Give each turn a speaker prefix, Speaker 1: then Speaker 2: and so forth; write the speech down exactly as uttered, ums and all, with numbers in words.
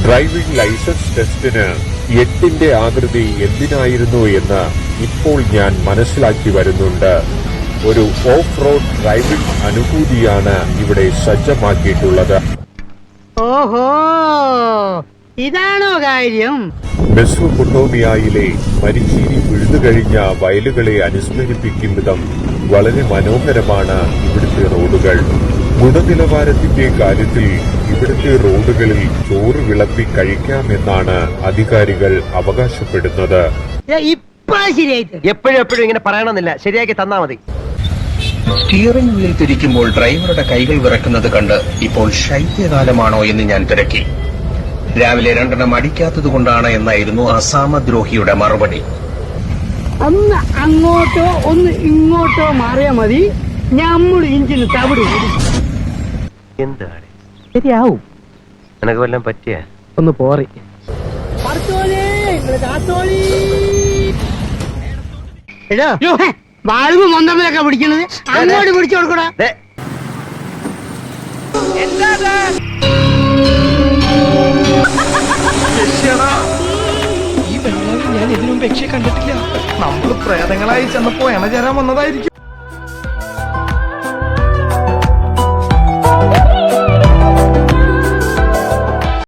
Speaker 1: Driving licence ടെസ്റ്റിന് എട്ടിന്റെ ആകൃതി എന്തിനായിരുന്നു എന്ന് ഇപ്പോൾ ഞാൻ മനസ്സിലാക്കി വരുന്നുണ്ട്. ഒരു ഓഫ് റോഡ് ഡ്രൈവിംഗ് അനുഭൂതിയാണ് ഇവിടെ സജ്ജമാക്കിയിട്ടുള്ളത്.
Speaker 2: ഓഹോ, ഇതാണോ കാര്യം?
Speaker 1: മെസൊപ്പൊട്ടേമിയയിലെ മരിച്ചീനി പിഴുതുകഴിഞ്ഞ വയലുകളെ അനുസ്മരിപ്പിക്കും വിധം വളരെ മനോഹരമാണ് ഇവിടുത്തെ റോഡുകൾ. ഗുണനിലവാരത്തിന്റെ കാര്യത്തിൽ ഇവിടുത്തെ റോഡുകളിൽ ചോറ് വിളമ്പി കഴിക്കാമെന്നാണ് അധികാരികൾ അവകാശപ്പെടുന്നത്.
Speaker 3: എപ്പോഴും എപ്പോഴും ഇങ്ങനെ പറയണമെന്നില്ല, ശരിയാക്കി തന്നാ മതി.
Speaker 4: സ്റ്റിയറിംഗ് വീൽ തിരിക്കുമ്പോൾ ഡ്രൈവറുടെ കൈകൾ വിറക്കുന്നത് കണ്ട് ഇപ്പോൾ ശൈത്യകാലമാണോ എന്ന് ഞാൻ തിരക്കി. രാവിലെ രണ്ടെണ്ണം അടിക്കാത്തത് കൊണ്ടാണ് എന്നായിരുന്നു അസാമദ്രോഹിയുടെ മറുപടി.
Speaker 2: ഒന്ന് അങ്ങോട്ടോ ഒന്ന് ഇങ്ങോട്ടോ മാറിയാ മതി, നമ്മൾ ഇഞ്ചിന് തവിട്.
Speaker 3: എന്താണ് ശരിയാവും? നിനക്ക് വല്ലതും പറ്റിയ
Speaker 2: ഒന്ന് പോറി. വാൾവ് മൊന്തമ്മലൊക്കെ പിടിക്കണത് അങ്ങോട്ട് പിടിച്ചു കൊടുക്കടാ.
Speaker 5: ഈ ബംഗ്ലാവിൽ ഞാൻ ഇതിനു മുമ്പ് യക്ഷിയെ കണ്ടിട്ടില്ല. നമ്മൾ പ്രേതങ്ങളായി ചെന്നപ്പോ എണ ചേരാൻ വന്നതായിരിക്കും.